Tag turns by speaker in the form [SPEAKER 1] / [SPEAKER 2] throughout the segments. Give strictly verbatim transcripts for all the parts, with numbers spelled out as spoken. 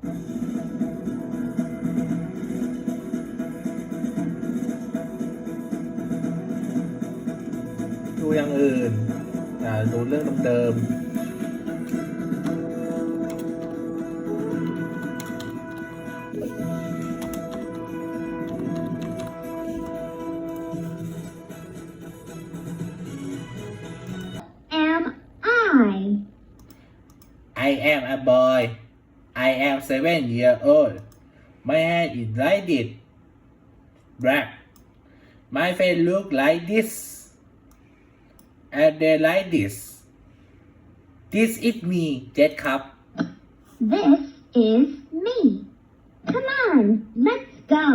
[SPEAKER 1] ดูอย่างอื่นอ่าดูเรื่องเดิมๆ
[SPEAKER 2] Am I?
[SPEAKER 1] I am a boy. I am seven years old. My hair is like this. Black. My face look like this. And they like this. This is me, Jet ครับ
[SPEAKER 2] This is me. Come on, let's go.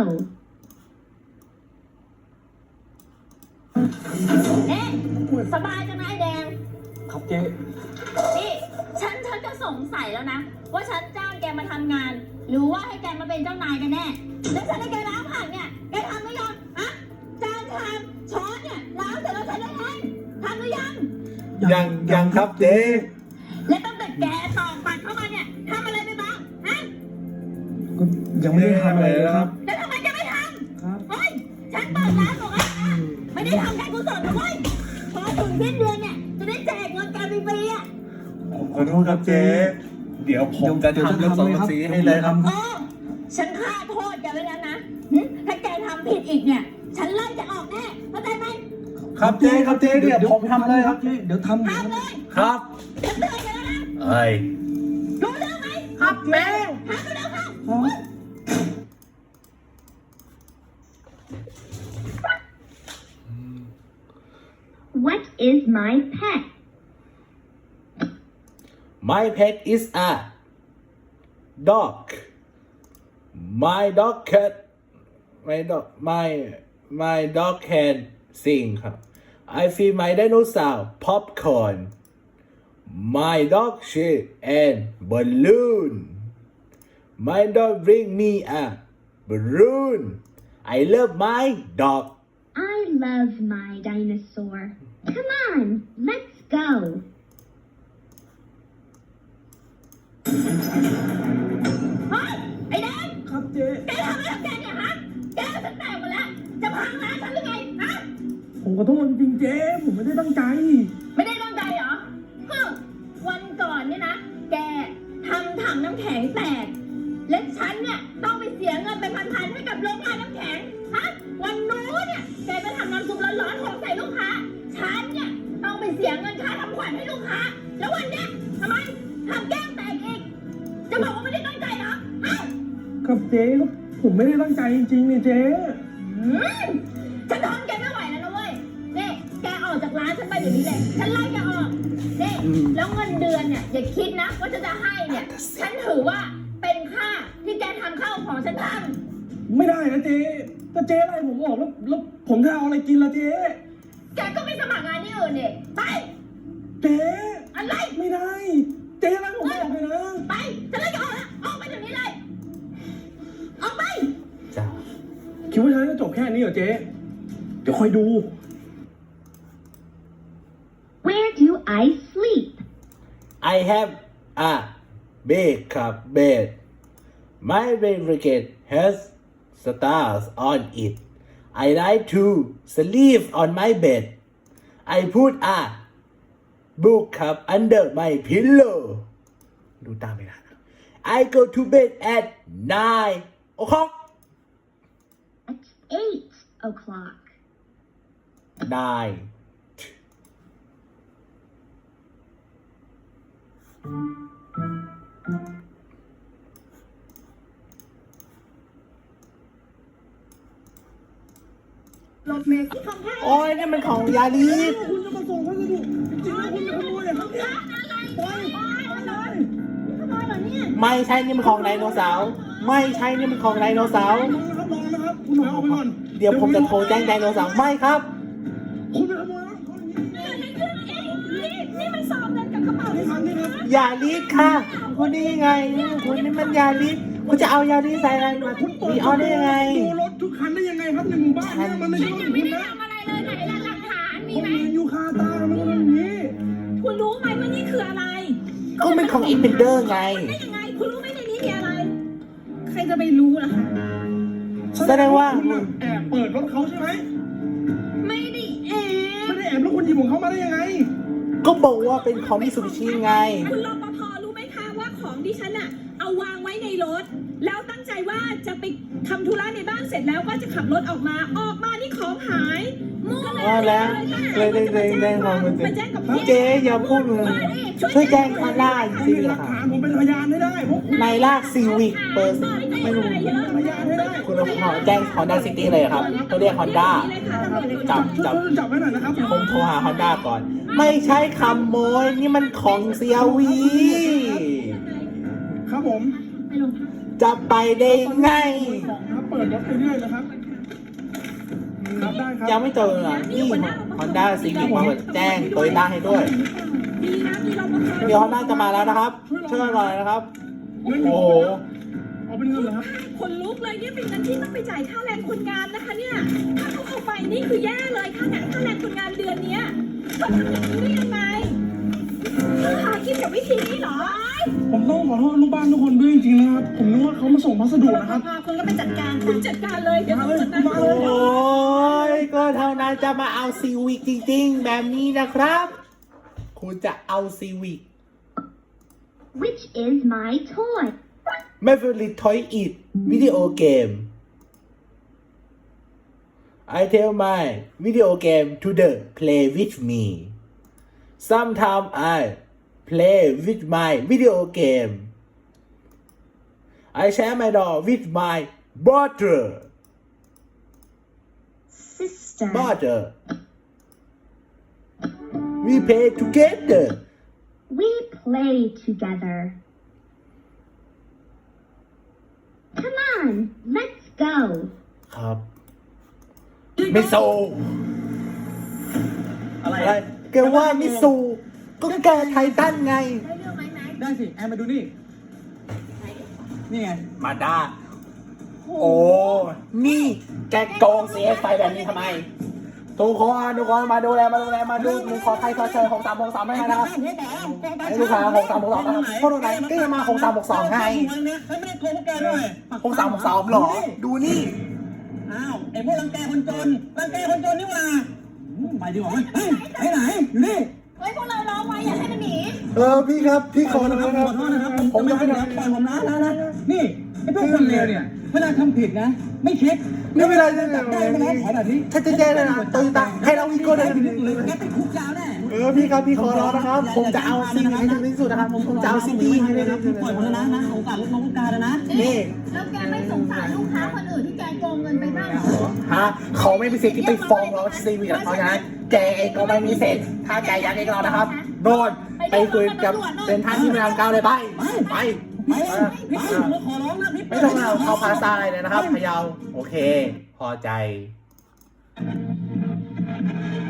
[SPEAKER 3] เอ๊ะสบายจังนะไอ้แดง
[SPEAKER 4] ครับเจ๊
[SPEAKER 3] นี่ฉันฉันจะสงสัยแล้วนะ ว่าฉันจ้างแกมาทำงาน หรือว่าให้แกมาเป็นเจ้านายกันแน่ แล้วฉันให้แกล้างผักเนี่ย แกทำหรือยังอะจานชามช้อนเนี่ยล้างเสร็จแล้วฉันได้เองทำหรือยัง
[SPEAKER 1] ยังยังครับเจ๊
[SPEAKER 3] และตั้งแต่แกตอกบัตรเข้ามาเนี่ยทำอะไรไปบ้างฮะ
[SPEAKER 4] ก็ยังไม่ได้ทำอะไรเลยครับ
[SPEAKER 3] แล้วทำไมแกไม่ท
[SPEAKER 4] ครับ
[SPEAKER 3] ำเฮ้ยฉันเปิดร้านบอกว่าไม่ได้ทำการกุศลนะเว้ยพอถึงสิ้นเดือนเนี่ยจะได้แจกเงินแกฟรีๆอ่ะ
[SPEAKER 1] ผมขอโทษครับเจ๊เดี๋ยวผมจะทำเรื่องสองสีให้เลยครับ
[SPEAKER 3] เออฉันฆ่าโทษแกไว้แล้วนะหึถ้าแกทำผิดอีกเนี่ย ฉันไล่จะออกแน่เข้าใจไหม
[SPEAKER 1] ครับเจ๊ครับเจ๊เดี๋ยวผมทำเลยครับ
[SPEAKER 4] เจ๊เดี๋ยวทำ
[SPEAKER 3] ทำเลย
[SPEAKER 1] ครับ
[SPEAKER 3] ฉันเตือนแกแล้วนะ
[SPEAKER 1] เอ้ย
[SPEAKER 3] รู้เรื่องไหม
[SPEAKER 1] ครับเจ๊
[SPEAKER 3] ทำไปแล้วค่ะ
[SPEAKER 4] ครับ
[SPEAKER 2] What is my pet?
[SPEAKER 1] My pet is a dog. My dog cat. My dog. My my dog can sing ครับ I feed my dinosaur popcorn. My dog shit and balloon. My dog bring me a balloon. I love my dog.
[SPEAKER 2] I love my dinosaur. Come on, let's go.
[SPEAKER 3] เฮ้ยไอ้แดง
[SPEAKER 4] ครับเจ๊
[SPEAKER 3] แกทำอะไรกับแกเนี่ยฮะแกก็ฉันแตกหมดแล้ว จะพังร้านฉันหรือไงฮะ
[SPEAKER 4] ผมขอโทษจริงๆเจ๊ผมไม่ได้ตั้งใจ
[SPEAKER 3] ไม่ได้ตั้งใจเหรอฮึวันก่อนเนี่ยนะ แกทำถังน้ำแข็งแตก และฉันเนี่ยต้องไปเสียเงินเป็นพันๆให้กับโรงงานน้ำแข็ง ฮะ วันนู้นเนี่ยแกไปทำน้ำซุปร้อนๆของใส่ลูกค้า ฉันเนี่ยต้องไปเสียเงินค่าทำขวัญให้ลูกค้า แล้ววันเนี้ยทำไมทำแก้มแตกอีก จะบอกว่าไม่ได้ตั้งใจเหรอฮะ
[SPEAKER 4] ครับเจ๊ครับผมไม่ได้ตั้งใจจริงๆเนี่ยเจ๊
[SPEAKER 3] อืมฉันทนแกไม่ไหวแล้วนะเว้ยนี่แกออกจากร้านฉันไปเดี๋ยวนี้เลย ฉันไล่แกออกนี่แล้วเงินเดือนเนี่ยอย่าคิดนะว่าจะจะให้เนี่ย ฉันถือว่าเป็นค่าที่แกทำข้าวของฉันท
[SPEAKER 4] ไม่ได้นะเจ๊ถ้าเจ๊ไล่ผมออกแล้วแล้วผมจะเอาอะไรกินล่ะเจ๊
[SPEAKER 3] ำแกก็ไปสมัครงานที่อื่นเนี่ยไป
[SPEAKER 4] เจ๊
[SPEAKER 3] อะไร
[SPEAKER 4] ไม่ได้ เจ๊ไล่ผมออกเลยนะ
[SPEAKER 3] ไปฉันไล่แกออกแล้วออกไปเดี๋ยวนี้เลย ออกไป
[SPEAKER 1] จ้า
[SPEAKER 4] คิดว่าฉันจะจบแค่นี้เหรอเจ๊เดี๋ยวคอยดู
[SPEAKER 2] Where do I sleep?
[SPEAKER 1] I have a bed ครับ bed. My blanket has stars on it. I like to sleep on my bed. I put a book ครับ under my pillow. ดูตามไปนะ I go to bed at nine o'clock.
[SPEAKER 2] At eight o'clock.
[SPEAKER 1] nine.
[SPEAKER 3] รถเมล์ที่ทำให้
[SPEAKER 1] โอ้ยนี่มันของยาลีฟ
[SPEAKER 4] คุณจะมาส่งพัสดุจริงๆแล้วคุณจะขโมยเหรอครับเนี่ย
[SPEAKER 3] อะไรโอ้ยโอ้ยอะไรขโมยเหรอเนี่ย
[SPEAKER 1] ไม่ใช่นี่มันของไดโนเสาร์ไม่ใช่นี่มันของไดโนเสาร์
[SPEAKER 4] ลองนะครับลองนะครับคุณถอยออกไปก่อน
[SPEAKER 1] เดี๋ยวผมจะโทรแจ้งไดโนเสาร์ไม่ครับ
[SPEAKER 4] คุณไปขโมยแล้ว
[SPEAKER 3] นี่นี่มันสอบเงินกับกระเป๋า
[SPEAKER 4] นี่ครับนี่ครับ
[SPEAKER 1] ยาลีฟค่ะ คุณนี่ยังไงนี่คุณนี่มันยาลีฟคุณจะเอายาลีฟใส่อะไรมา
[SPEAKER 4] คุณเปิ
[SPEAKER 1] มี
[SPEAKER 4] ด
[SPEAKER 1] ออได้ยังไง
[SPEAKER 4] ดูรถทุกคันได้ยังไงครับในหมู่บ้านเนี่ยมันไม่ใช่รถของคุณนะ
[SPEAKER 3] ทำอะไรเลยไหนล่ะหลักฐานมี
[SPEAKER 4] ผม
[SPEAKER 3] ไหม
[SPEAKER 4] เห็นอยู่คาตามันก็เป็นอย่างนี้
[SPEAKER 3] คุณรู้ไหมว่านี่คืออะไร
[SPEAKER 1] ก็มันของอินเ e นเดอร์ไง
[SPEAKER 3] ได้ยังไง คุณรู้ไหมในนี้มีอะไรจะไปรู้ล่ะคะ
[SPEAKER 1] แสดงว่า
[SPEAKER 4] คุณน่ะแอบเปิดรถเขาใช่ไหม
[SPEAKER 3] ไม่ได้แอบ
[SPEAKER 4] ไม่ได้แอบแล้วคุณหยิบของเขามาได้ยังไง
[SPEAKER 1] ก็บอกว่าเป็นของมิตซูบิชิไง
[SPEAKER 3] คุณรปภรู้ไหมคะว่าของดิฉันอะเอาวางไว้ในรถ แล้วตั้งใจว่าจะไปทำธุระในบ้านเสร็จแล้วก็จะขับรถออกมาออกมานี่ของหายมั่ว
[SPEAKER 1] ว่าแล้วเลยได้ได้ได้ความมัน
[SPEAKER 3] มาแจ้งกับพี่
[SPEAKER 1] เจ๊อย่าพูดเลยช่วยแจ้งคาร่าอีก
[SPEAKER 4] ผม
[SPEAKER 1] ที
[SPEAKER 4] มีหลั
[SPEAKER 1] นะ
[SPEAKER 4] ก
[SPEAKER 1] ครับ
[SPEAKER 4] ฐานผมเป็นพยานให้ได้พวกคุณ
[SPEAKER 1] ในลากซีวิกเปิดไม่รู้
[SPEAKER 4] พยานให้ได้
[SPEAKER 1] คุณขอแจ้ง Honda City เลยครับตัวเรียก Honda จับจับ
[SPEAKER 4] ช่วยจับไว้หน่อยนะครับ
[SPEAKER 1] ผมโทรหา Honda ก่อน ไม่ใช่ขโมยนี่มันของเซียวี
[SPEAKER 4] ครับผม
[SPEAKER 3] ไปโรงพัก
[SPEAKER 1] จะไปได้ไง
[SPEAKER 4] ของครับเปิดรถไปเรื่อยนะครับครับได้ครับ
[SPEAKER 1] ยังไม่เจออ่ะนี่ Honda Civic มาแจ้งโตโยต้าให้ด้วย
[SPEAKER 3] ดีนะมีรปภ
[SPEAKER 1] เดี๋ยว Honda จะมาแล้วนะครับช่วยหน่อยนะครับ โอ้โห
[SPEAKER 4] เอาเป็นเงินเหรอครับ
[SPEAKER 3] คนลุกเลยเนี่ยเป็นเงินที่ต้องไปจ่ายค่าแรงคนงานนะคะเนี่ย ถ้าเขาเอาไปนี่คือแย่เลยค่าแรงค่าแรงคนงานเดือนเนี้ยเขาทำอย่างนี้ได้ยังไงหากินกับวิธีนี้เหรอ
[SPEAKER 4] ผมต้องขอโทษลูกบ้านทุกคนด้วยจริงๆนะครับ ผมนึกว่าเขามาส่งพัสดุนะครับ
[SPEAKER 3] คุณก็ไปจัดการคุณจัดการเลยเดี๋ยวผมจัดการ
[SPEAKER 4] มาเลย
[SPEAKER 1] โอ้ยก็เท่านั้นจะมาเอาซีวิกจริงๆ แบบนี้นะครับ คุณจะเอาซีวิก
[SPEAKER 2] Which is my toy?
[SPEAKER 1] My favorite toy is video game. I tell my video game to the play with me. Sometimes I play with my video game. I share my doll with my brother.
[SPEAKER 2] Sister.
[SPEAKER 1] Brother. We play together.
[SPEAKER 2] We play together. Come on, let's go.
[SPEAKER 1] ครับมิโซ
[SPEAKER 4] อะไร
[SPEAKER 1] อะไรแกว่ามิซู ก็แกไททันไง
[SPEAKER 3] ได้เรื่องไหมแม็ก
[SPEAKER 4] ได้สิ แอนมาดูนี่ นี่ไง
[SPEAKER 1] มาด้า โอ้ นี่แกโกงเสียไฟแบบนี้ทำไม ทุกคนทุกคนมาดูแลมาดูแลมาดูมึงขอใครขอเชิญหกสามหกสามไม่ให้นะครับไอ้ลูกค้าหกสามหกสองนะครับเพราะตรงไหนก็ยังมาหกสามหกสองไง
[SPEAKER 4] ไม่ได้โกงพวกแกด้วย
[SPEAKER 1] หกสามหกสองหรอ ดูนี่
[SPEAKER 4] อ้าวไอ้พวกรังแกคนจนรังแกคนจนนี่หว่าอืมไปดีกว่าเฮ้ยไปไหนอยู่นี่
[SPEAKER 3] เฮ้ยพวกเราร้องไว้อย่าให้มันหนี
[SPEAKER 1] เออพี่ครับพี่ขอโทษนะครับ
[SPEAKER 4] ขอโทษนะครับ
[SPEAKER 1] ผมจะไม่ท
[SPEAKER 4] ปล่อยผมนะนะนะนี่ไอ้พวกคนเลวเนี่ยเวลาทำผิดนะ ไม่คิด
[SPEAKER 1] ำไม่เป็นไรไม่เป็น
[SPEAKER 4] จับได้
[SPEAKER 1] ไร
[SPEAKER 4] ไม่ได้ขอแบบนี้
[SPEAKER 1] ถ้าจะแจ้งเลยนะโตโยต้าให้เราวิโก้ได้
[SPEAKER 4] หรือแกติดคุกยาวแน่
[SPEAKER 1] เออพี่ครับพี่ขอร้องนะครับ ผมจะเอาซีวีให้ถึงที่สุดนะครับ ผมจะเอาซิตี้ให้ได้
[SPEAKER 4] ปล่อยผมแล้วนะนะโอกาสลดน้องโอกาสแล้วนะ
[SPEAKER 1] นี่
[SPEAKER 3] แล้วแกไม่สงสารลูกค้าคนอื่นที่แกโกงเงินไปบ้างเหรอ
[SPEAKER 1] ฮะเขาไม่มีสิทธิ์ที่ไปฟ้องร้องซีวีกับเขานะแกเองก็ไม่มีสิทธิ์ถ้าแกอยากเองเรานะครับโดนไปคุยกับเป็นท่านที่พยามก้าวเลยไปไป
[SPEAKER 4] ไม่พี่ผมขอร้องนะพี่
[SPEAKER 1] ไม่ต้องเอาเข้าพาซาเลยนะครับพะเยาโอเค พอใจ